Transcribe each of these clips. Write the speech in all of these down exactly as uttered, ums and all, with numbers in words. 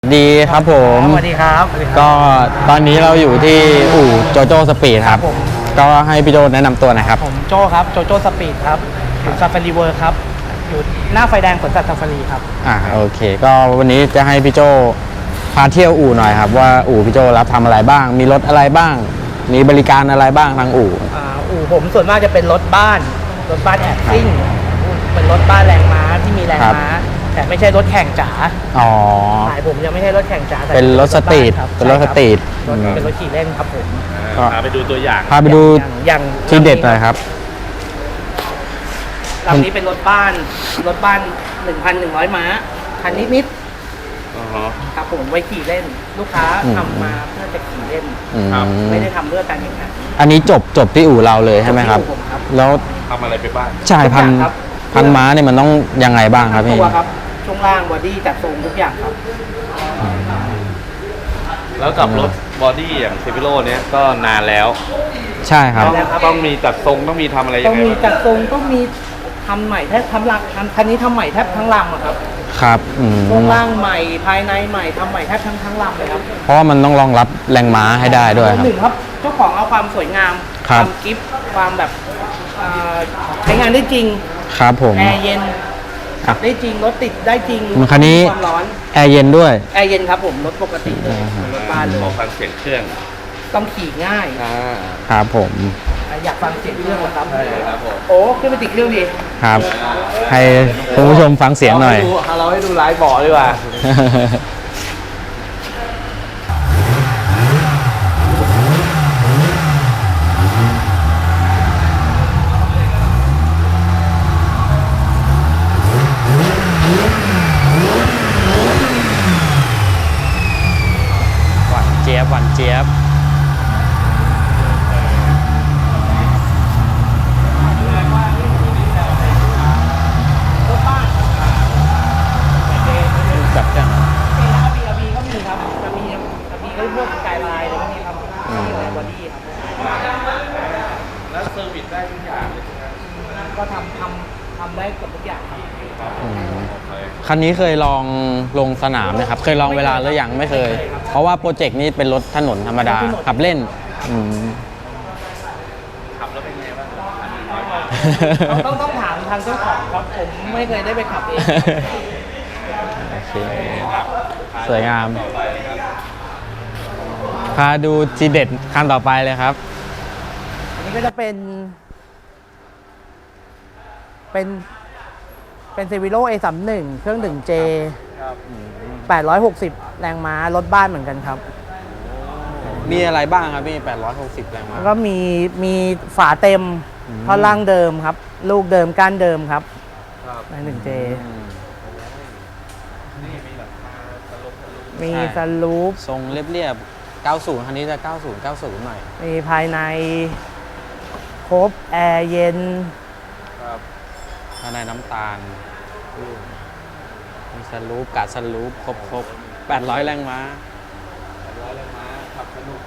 ดีครับผมสวัสดีครับก็ตอนนี้เราอยู่ที่อู่โจโจ้สปีดครับผมก็ให้พี่โจแนะนำตัวหน่อยครับผมโจครับโจโจสปีดครับอยู่ซาฟารีเวิร์ครับอยู่หน้าไฟแดงสวนสัตว์ซาฟารีครับอ่าโอเค ก็วันนี้จะให้พี่โจพาเที่ยวอู่หน่อยครับว่าอู่พี่โจรับทำอะไรบ้าง มีรถอะไรบ้าง มีบริการอะไรบ้างทางอู่อ่าอู่ผมส่วนมากจะเป็นรถบ้านรถบ้านแอบซิ่งเป็นรถบ้านแรงม้าที่มีแรงครับม้าแต่ไม่ใช่รถแข่งจ๋าอ๋อสายผมยังไม่ใช่รถแข่งจ๋าแต่เป็นรถสตรีทคบเป็นรถสตรีทใช่คบอืมเป็นรถขี่เล่นครับผมก็พาไปดูตัวอย่างพาไปดูอย่างอย่างที่เด็ดหน่อยครับลำนี้เป็นรถบ้านรถบ้าน หนึ่งพันหนึ่งร้อย ม้าคันนิดอ๋อฮะๆครับผมไว้ขี่เล่น ลูกค้าอืมทำมาเพื่อจะขี่เล่นอืมไม่ได้ทำเพื่อการแข่งขันอันนี้จบจบที่อู่เราเลยใช่ไหมครับจบที่อู่ผมครับแล้วทำอะไรไปบ้างชายพันทุกอย่างครับพันม้าเนี่ยมันต้องยังไงบ้างครับพี่ตัวครับช่วงล่างบอดี้จัดทรงทุกอย่างครับแล้วกับรถบอดี้อย่างเซฟิโลเนี้ยก็นานแล้วใช่ครับต้องแล้วครับต้องมีจัดทรงต้องมีทำอะไรยัต้อง งไงมีบ้างจัดทรงต้องมีทำใหม่แทบทำลังทำคันนี้ทำใหม่แทบทั้งลำอะครับครับอืมช่วงล่างใหม่ภายในใหม่ทำใหม่แทบทั้งทั้งลำเลยครับเพราะว่ามันต้องรองรับแรงม้าให้ได้ด้วยครับหนึ่งครับเจ้าของเอาความสวยงามคครับ วามกิฟต์ความแบบเอ่อใช้งานได้จริงครับผมแอร์เย็นขับได้จริงรถติดได้จริงคันนี้ความร้อนแอร์เย็นด้วยแอร์เย็นครับผมรถปกติเลยรถบ้านเลขอย ฟังเสียงเครื่องต้องขี่ง่ายอ่าครับผมอยากฟังเสียงเครื่องเหรอครับใช่ครับผมโอ้ขึ้นไปติดเครื่องดิครับ ให้คุณผู้ชมฟังเสียงหน่อยเราให้ดูไลฟ์เบาะดีกว่าหวานเจี๊ยบหวานเจี๊ยบรถบ้านจับจังมีนะครับ บี อาร์ บี ก็มีครับจะมีจะมีก็พวกสกายไลน์อะไรพวกนี้ครับที่อะไรบอดี้ครับแล้วเซอร์วิสได้ทุกอย่างเลยก็ทำทำทำได้เกือบทุกอย่างครับอืมโอเคคันนี้เคยลองลงสนามไหมครับ เคยลองเวลาหรือยังไม่เคย เพราะว่าโปรเจกต์นี้เป็นรถถนนธรรมดา ขับเล่นอืมขับแล้วเป็นไงบ้างต้องต้องต้องถามทางเจ้าของครับผมไม่เคยได้ไปขับเองโอเค สวยงาม พาดูทีเด็ดคันต่อไปเลยครับอันนี้ก็จะเป็น เป็น เป็นเซวิโร่ เอ สามสิบเอ็ด เครื่อง หนึ่ง เจ แปดร้อยหกสิบ แรงม้ารถบ้านเหมือนกันครับมีอะไรบ้างครับพี่ แปดร้อยหกสิบแรงม้าแล้วก็มีมีฝาเต็มอืมท่อนล่างเดิมครับ ลูกเดิมก้านเดิมครับใน หนึ่ง เจ มีสลูปทรงเรียบๆ เก้าสิบ คันนี้จะ เก้าสิบ เก้าสิบ หน่อยมีภายในครบแอร์เย็นครับภายในน้ำตาล มีสลูปกัดสลูปครบครบแปดร้อยแรงม้าร้อยแรงม้าขับสนุก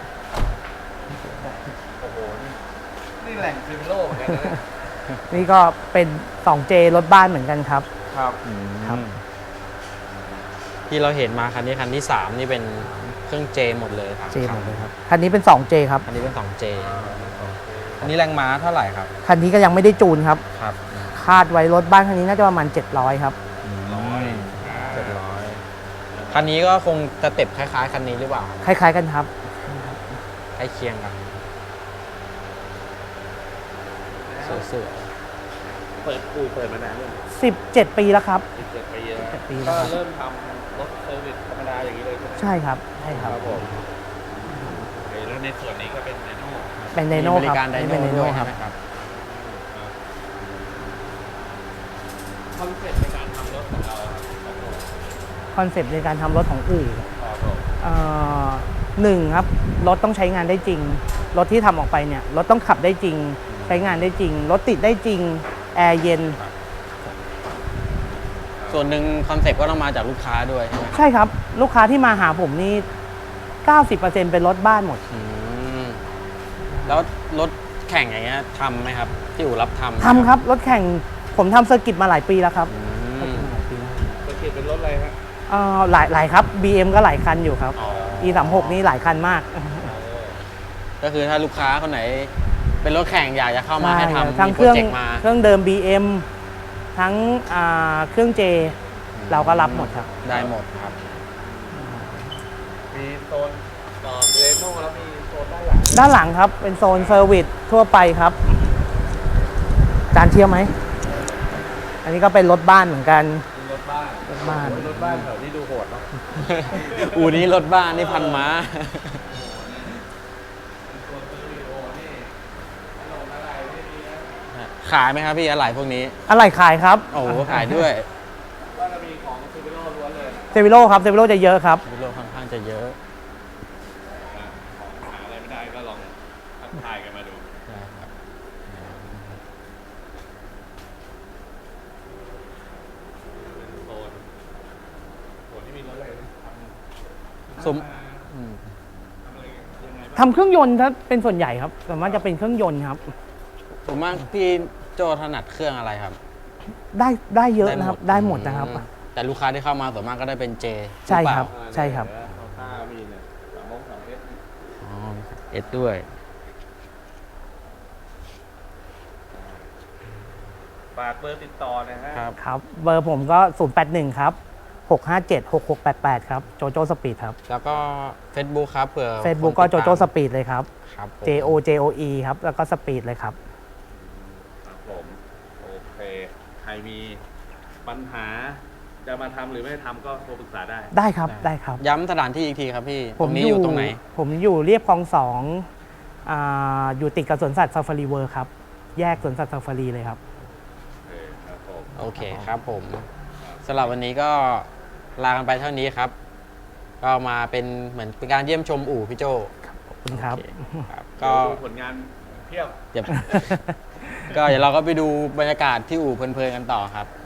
โอ้โห นี่นี่แหล่งเซฟิโลเหมือนกันนะเนี่ยนี่ก็เป็น สอง เจ รถบ้านเหมือนกันครับครับครับที่เราเห็นมาคันนี้คันที่สามนี่เป็นเครื่องเจหมดเลยครับเจหมดเลยครับ คันนี้เป็น สอง เจ ครับคันนี้เป็นสองเจอันนี้แรงม้าเท่าไหร่ครับคันนี้ก็ยังไม่ได้จูนครับครับคาดไว้รถบ้านคันนี้น่าจะประมาณ เจ็ดร้อย ครับร้อยเจ็ดร้อยคันนี้ก็คงจะเต็บคล้ายๆ คันนี้หรือเปล่าคล้ายๆกันครับใกล้เคียงกันสวยเปิดอู่เปิดมานานเลยงสิบเจ็ด ปีแล้วครับสิบเจ็ดปีแล้วสิบเจ็ดปีแล้ก็วครับเริ่มทำรถเซอร์วิสธรรมดาอย่างนี้เลยใช่ไหมใช่ครับ ใช่ครับผมโอเคแล้วในส่วนนี้ก็เป็นไดโน่เป็นๆไดโน่มีบคริรับการไดอันโน่นี้เป็นไดด้โน่วยคใช่รับไหมครับคอนเซ็ปต์ในการทำรถของเราครับคอนเซปต์ในการทำรถของอู่ครับผมเอ่อหนึ่งครับ รถต้องใช้งานได้จริง รถที่ทำออกไปเนี่ย รถต้องขับได้จริง ใช้งานได้จริง รถติดได้จริง แอร์เย็นส่วนหนึ่งคอนเซ็ปต์ก็ต้องมาจากลูกค้าด้วยใช่ไหมครับใช่ครับ ลูกค้าที่มาหาผมนี่ เก้าสิบเปอร์เซ็นต์ เป็นรถบ้านหมดอืมแล้วรถแข่งอย่างเงี้ยทำไหมครับ ที่อู่รับทำทำครับ รถแข่งผมทำเซอร์กิตมาหลายปีแล้วครับอืมหลายปีแล้วจะเขียนเป็นรถอะไรฮะอเอ่อหลายหลายครับ บี เอ็ม ก็หลายคันอยู่ครับอ๋ออี สามหก นี่หลายคันมากก็คือถ้าลูกค้าคนไหน เป็นรถแข่งอยากจะเข้ามาให้ใช่ทำทั้งมีเคโปรรื่องเจกต์มาเครื่องเดิม บี เอ็ม ทั้งอ่าเครื่องเจ เราก็รับหมดครับได้หมดครับมีโซนเรโน่แล้วมีโซนด้านหลังด้านหลังครับเป็นโซนเซอร์วิสทั่วไปครับจานเที่ยวไหม อันนี้ก็เป็นรถบ้านเหมือนกันมีรถบ้านรถบ้านโอ้ยรถบ้านแถวนี้ดูโหดเนาะอูนี้รถบ้านนี่พันม้า ขายไหมครับพี่อะไรพวกนี้อะไรขายครับโอ้โหขายด้วยก็จะมีของซิฟิโลล้วนเลยเซวิโลครับเซวิโลจะเยอะครับวิโลค่อนข้างจะเยอะอ่ะของหาอะไรไม่ได้ก็ลองทักทายกันมาดูใช่ครับเป็นโซนโซนที่มีรถอะไรทสมำอืมทำอะไรยังไงบ้างทำเครื่องยนต์ถ้าเป็นส่วนใหญ่ครับส่วนมากจะเป็นเครื่องยนต์ครับผมมากพี่โจถนัดเครื่องอะไรครับได้ได้เยอะนะครับ ได้หมดนะครับอืมแต่ลูกค้าที่เข้ามาส่วนมากก็ได้เป็นเจใช่ครับ ใช่ครับของข้ามีเนี่ยสามโมงสามเอสอ๋อเอ็ดด้วยฝากเบอร์ติดต่อนะฮะครับครับ เบอร์ผมก็ ศูนย์ แปด หนึ่ง ครับ หก ห้า เจ็ด หก หก แปด แปด ครับ โจโจสปีดครับแล้วก็ Facebook ครับเผื่อ Facebook คนก็ติดโจตามโจสปีดเลยครับครับผม J O J O E ครับ แล้วก็สปีดเลยครับครับผมโอเค ใครมีปัญหาจะมาทำหรือไม่ทำก็โทรปรึกษาได้ได้ครับ ได้ครับย้ำสถานที่อีกทีครับพี่ตรงนี้อยู่ตรงไหนผมอยู่เรียบคลองสองอ่าอยู่ติดกับสวนสัตว์ซาฟารีเวิร์ครับ แยกสวนสัตว์ซาฟารีเลยครับโอเคครับผมโอเคครับผมสำหรับวันนี้ก็ลากันไปเท่านี้ครับ ก็มาเป็นเหมือนเป็นการเยี่ยมชมอู่พี่โจขอบคุณครับโอเคครับก็ก็ผลงานเพียบเดี๋ยว ก็เดี๋ยวเราก็ไปดูบรรยากาศที่อู่เพลินๆกันต่อครับ